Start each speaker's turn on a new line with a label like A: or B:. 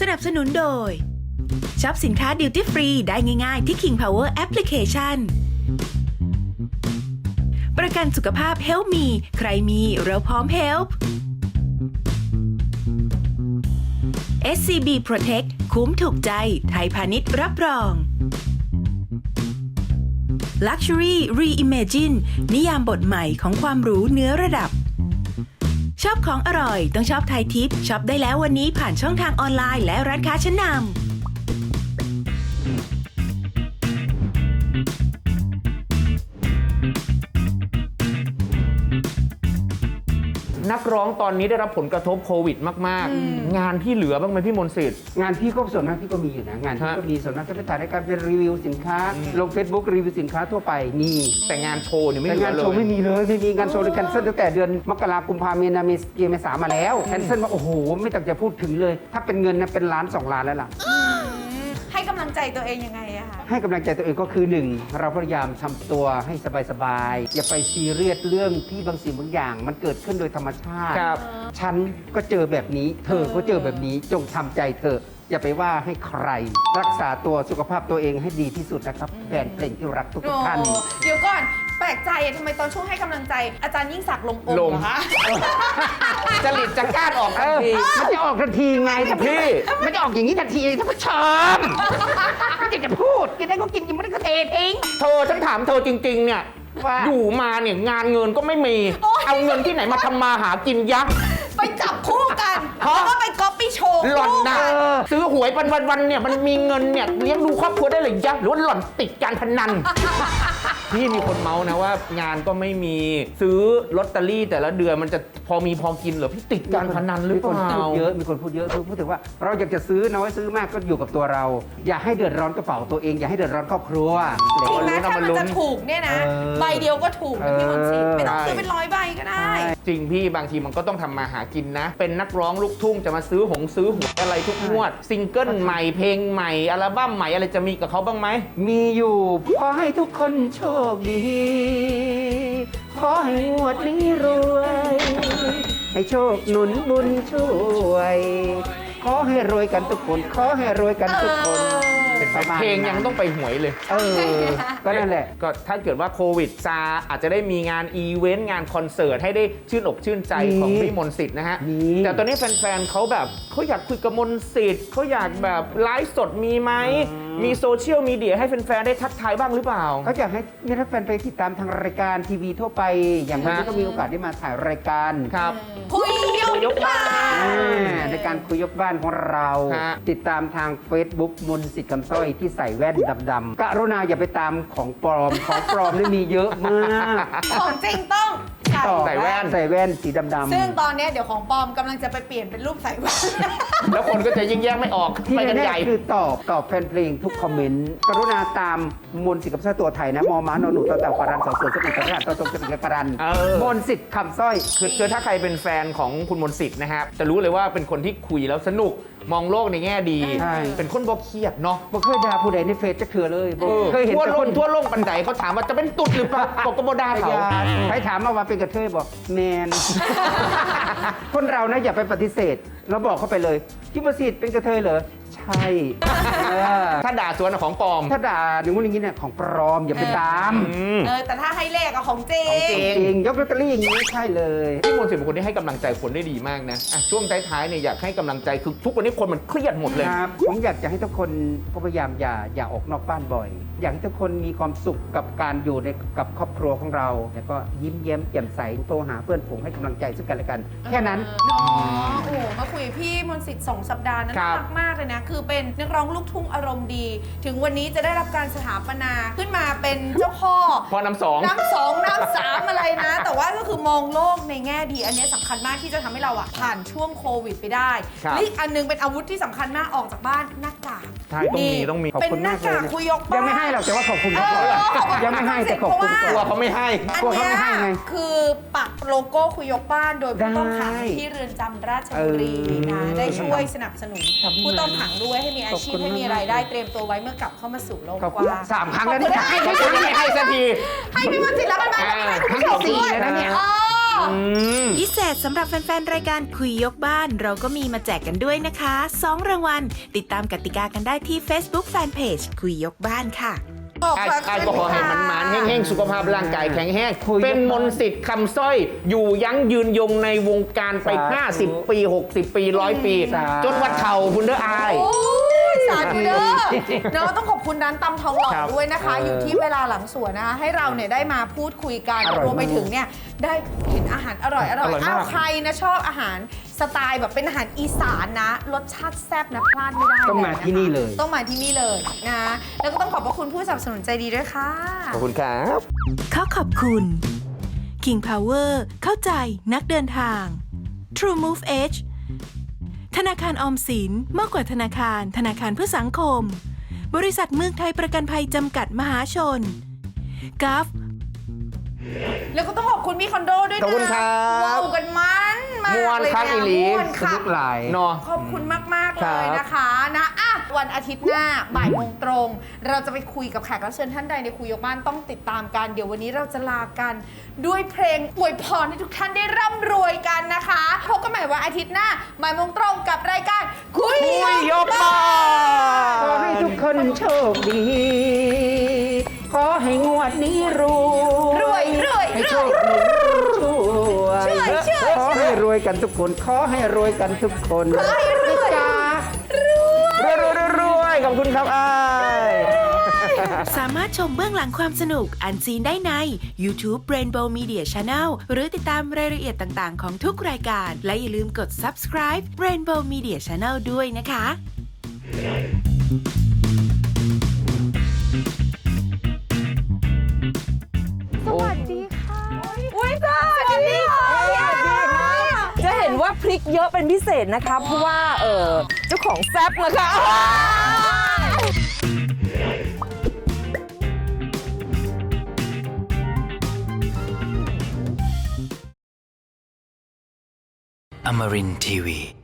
A: สนับสนุนโดยช็อปสินค้าดิวตี้ฟรีได้ง่ายๆที่ King Power Application ประกันสุขภาพ Help Me ใครมีเราพร้อม Help SCB Protect คุ้มถูกใจไทยพาณิชย์รับรอง Luxury Reimagine นิยามบทใหม่ของความหรูเนื้อระดับชอบของอร่อยต้องชอบไทยทิปช็อปได้แล้ววันนี้ผ่านช่องทางออนไลน์และร้านค้าชั้นนำ
B: นักร้องตอนนี้ได้รับผลกระทบโควิดมากๆงานที่เหลือบ้างไหมพี่มนต์สิทธิ์
C: งานพี่ก็ส่วนมากพี่ก็มีอยู่นะงานพี่ก็มีส่วนมากจะไปถ่ายรายการเป็นรีวิวสินค้าลง Facebook รีวิวสินค้าทั่วไปมี
B: แต่งานโชว์เนี่ยไม่
C: แต่
B: เหลื
C: งา
B: อน เลย
C: โชว์ไม่มีเลยไม่มีงานโชว์เลยแคนเซิลตั้งแต่เดือนมกราคมกุมภาพันธ์มีนาเมษามาแล้วแคนเซิลมาโอ้โหไม่ต้องจะพูดถึงเลยถ้าเป็นเงินนะเป็นล้าน2 ล้านแล้วล่ะ
D: ให้กำลังใจตัวเองยังไงอะคะ
C: ให้กำลังใจตัวเองก็คือ1เราพยายามทำตัวให้สบายๆอย่าไปซีเรียสเรื่องที่บางสิ่งบางอย่างมันเกิดขึ้นโดยธรรมชาติฉันก็เจอแบบนี้เธอก็เจอแบบนี้จงทำใจเธออย่าไปว่าให้ใครรักษาตัวสุขภาพตัวเองให้ดีที่สุดนะครับแฟนเพลงที่รักทุกท่าน
D: เดี๋ยวก่อนแปลกใจทำไมตอนช่วงให้กำลังใจอาจารย์ยิ่งศักดิ์ลงองค์เหรอคะ
B: จริตจักร้านออกทันที
C: มันจะออกทันทีไงพี่มันจะออกอย่างนี้ทันทีท่านผู้ชมไม่อยากจะพูดกินได้ก็กินกินไม่ได้ก็เททิ้ง
B: เธอฉันถามเธอจริงๆเนี่ยอยู่มาเนี่ยงานเงินก็ไม่มีเอาเงินที่ไหนมาทำมาหากินยักษ์
D: ไปจับคู่กันแล้วก็ไปก๊อปปี้โชว์
B: หล่อนนะซื้อหวยวันๆเนี่ยมันมีเงินเนี่ยเลี้ยงดูครอบครัวได้หรือยังหรือว่าหล่อนติดการพนันพี่มีคนเมาส์นะว่างานก็ไม่มีซื้อลอตเตอรี่แต่ละเดือนมันจะพอมีพอกินเหรอพี่ติดการพนันหรือเปล่า
C: มีคนพูดเยอะพูดถึงว่าเราอยากจะซื้อน้อยซื้อมากก็อยู่กับตัวเราอย่าให้เดือดร้อนกระเป๋าตัวเองอย่าให้เดือดร้อนครอบครัว
D: จริงไหมถ้ามันจะถูกเนี่ยนะใบเดียวก็ถูกนะพี่มนต์สิทธิ์ไม่ต้องซื้อเป็น100 ใบก็ได้
B: จริงพี่บางทีมันก็ต้องทำมาหากินนะเป็นนักร้องลูกทุ่งจะมาซื้อหวยอะไรทุกงวดซิงเกิลใหม่เพลงใหม่อัลบั้มใหม่อะไรจะมีกับเขาบ้างไหม
C: มีอยู่ขอให้ทุกคนโชคดีขอให้งวดนี้รวยให้โชคหนุนบุญช่วยขอให้รวยกันทุกคนขอให้รวยกันทุกคน
B: เพลงยังต้องไปหวยเลย
C: ก็นั่นแหละ
B: ก็ถ้าเกิดว่าโควิดซาอาจจะได้มีงานอีเวนต์งานคอนเสิร์ตให้ได้ชื่นอกชื่นใจของพี่มนต์สิทธิ์นะฮะแต่ตอนนี้แฟนๆเขาแบบเขาอยากคุยกับมนต์สิทธิ์เขาอยากแบบไลฟ์สดมีไหมมีโซเชียลมีเดียให้แฟนๆได้ทักทายบ้างหรือเปล่า
C: เขาอยากให้ถ้าแฟนไปติดตามทางรายการทีวีทั่วไปอย่างวันนี้ก็มีโอกาสได้มาถ่ายรายการ
B: ครับ
D: คุยยกบ้าน
C: ในการคุยยกบ้านของเราติดตามทาง Facebook มนต์สิทธิ์คำสร้อยที่ใส่แว่นดำๆกรุณาอย่าไปตามของปลอมนี่มีเยอะมาก
D: ของจริงต้อง
B: ใส่แ
C: ว่นสีดำๆ
D: ซึ่งตอนนี้เดี๋ยวของปลอมกำลังจะไปเปลี่ยนเป็นรูปใส่แว่น
B: แล้วคนก็จะยิ่งแยกไม่ออก
C: ที่แน่ๆคือตอบแฟนเพลงทุกคอมเมนต์กรุณาตามมนต์สิทธิ์คำสร้อยตัวไทยนะมอม้านหนูต่อเต่าการันสอเสือสมุทรสาครต่อตรงสมุทรการันมนต์สิทธิ์คำสร้อย
B: คือถ้าใครเป็นแฟนของคุณมนต์สิทธิ์นะครับจะรู้เลยว่าเป็นคนที่คุยแล้วสนุกมองโลกในแง่ดีเป็นคนบ่เครียดเนาะ
C: บ่เคยด่าผู้ใดในเฟซจะเถื่อเลย
B: เคยเห็นทั่วโลกปันใดเขาถามว่าจะเป็นตุ๊ดหรือเปล่าบอกก็บ่ด่าเขา
C: ไปถามมาว่าเป็นกระเทยบอกแมนคนเรานะอย่าไปปฏิเสธเราบอกเขาไปเลยพี่มนต์สิทธิ์เป็นกระเทยเหรอใช่
B: ถ้าด่าสวนของปลอม
C: ถ้าด่าอย่างนู้นอย่างนี้เนี่ยของปลอมอย่าไปตาม
D: แต่ถ้าให้เลขอะของจริ
C: งยกลอตเตอรี่อย่างนี้ใช่เลย
B: พี่มนต์สิทธิ์เป็นคนที่ให้กำลังใจคนได้ดีมากนะช่วงท้ายๆเนี่ยอยากให้กำลังใจคือทุกวันนี้คนมันเครียดหมดเลย
C: ครับผมอยากจะให้ทุกคนพยายามอย่าออกนอกบ้านบ่อยอยากให้ทุกคนมีความสุขกับการอยู่กับครอบครัวของเราแล้วก็ยิ้มแย้มแจ่มใสโทรหาเพื่อนฝูงให้กำลังใจซึ่งกันและกันแค่นั้น
D: โอ้โหมาคุยกับพี่มนต์สิทธิ์2 สัปดาห์นั้นน่ารักมากเลยนะคือเป็นนักร้องลูกทุ่งอารมณ์ดีถึงวันนี้จะได้รับการสถาปนาขึ้นมาเป็นเจ้าพ่อ
B: น้ำสอง
D: น้ำ3อะไรนะแต่ว่าก็คือมองโลกในแง่ดีอันนี้สำคัญมากที่จะทำให้เราผ่านช่วงโควิดไปได้และอีกอันนึงเป็นอาวุธที่สำคัญมากออกจากบ้านหน้ากาก
B: ใช่ต้องมี
D: เป็นหน้ากากคุยยกบ้าน
C: ยังไม่ให้หรอกแต่ว่าขอบคุณเขายังไม่ให้แต่ขอบคุณ
B: กลัวเขาไม่ให้
D: กลัวเขาไม่ให้ไงคือปักโลโก้คุยยกบ้านโดยผู้ต้องขังที่เรือนจำราชบุรีนะได้ช่วยสนับสนุนผู้ต้องขังด้วยให้มีอาชีพให้มีรายได้เตรียมตัวไว้เมื่อกลับเข้ามาสู่โลกกว้าง
C: 3 ครั้งแล้วนี่
B: ให้สักที
D: ให้พี่มนต์สิทธิ์แล้วกันไหม
C: ครั้งที่4แล้วนะเนี่ย
A: พิเศษสำหรับแฟนๆ รายการคุยยกบ้านเราก็มีมาแจกกันด้วยนะคะ 2 รางวัล ติดตามกติกากันได้ที่ Facebook Fanpage คุยยกบ้านค่ะ
B: ไอ้ก็ขอให้มันหมานแห้งๆ สุขภาพร่างกายแข็งแรง
C: คุย
B: เป็นมนต์สิทธิ์คำสร้อย อยู่ยั้งยืนยงในวงการไป 50 ปี 60 ปี 100 ปี จนวัดเข่าคุณเด้ออาย
D: โอ้ยสาธุเด้อเนาะต้องขอบคุณร้านตำทองหล่อ
B: ครับ
D: ด้วยนะคะ อยู่ที่เวลาหลังสวนนะคะ ให้เราเนี่ยได้มาพูดคุยกัน
B: อร่อย
D: รวมไปถึงเนี่ยได้เห็นอาหารอร่อย
B: อร่อยมาก
D: อ้าวใครนะชอบอาหารสไตล์แบบเป็นอาหารอีสานนะ รสชาติแซ่บนะพลาดไม่ได้
C: ต้องมาที่นี่เลย
D: ต้องมาที่นี่เลยนะ แล้วก็ต้องขอบพระคุณผู้สนับสนุนใจดีด้วยค่ะ
B: ขอบคุณครับ
A: ขอบคุณ King Power เข้าใจนักเดินทาง True Move Edge ธนาคารออมสินมากกว่าธนาคารเพื่อสังคม บริษัทเมืองไทยประกันภัยจำกัดมหาชนกัฟ
D: แล้วก็ต้องขอบคุณพี่คอนโดด้วยนะ
B: ขอบคุณครับ
D: ว้าวกันมันมาก
B: ม่วน
D: เลย
B: คักอีหลี
D: ม่วน
C: ส
D: คั
C: นุ
D: ก
C: กหลาย
B: เนาะ
D: ขอบคุณมาก ๆ
B: ครั
D: เล
B: บ
D: ยนะคะนะอ่ะวันอาทิตย์หน้าบ่ายโมงตรง เราจะไปคุยกับแขกรับเชิญท่านใดในคุยยกบ้านต้องติดตามกัน เดี๋ยววันนี้เราจะลากันด้วยเพลงอวยพรให้ทุกท่านได้ร่ำรวยกันนะคะพบกันใหม่วันอาทิตย์หน้าบ่ายโมงตรงกับรายการคุย
B: ยกบ้า
C: ขอให้ทุกคนโชคดี ขอให้งวดนี้รวย
D: รวย
C: ให้โชคดีช่วยขอให้รวยกันทุกคน ขอให้รวยกันทุกคนจ้าร
B: วยขอบคุณครับอ้าย
A: สามารถชมเบื้องหลังความสนุกอันซีนได้ใน YouTube Rainbow Media Channel หรือติดตามรายละเอียดต่างๆ ของทุกรายการ และอย่าลืมกด subscribe Rainbow Media Channel ด้วยนะคะ
D: สวัสดีค่ะอุ้ยสวัสดีค่ะ
E: จะเห็นว่าพริกเยอะเป็นพิเศษนะคะ เพราะว่าเจ้าของแซ่บนะคะ
F: Amarin Tiwi.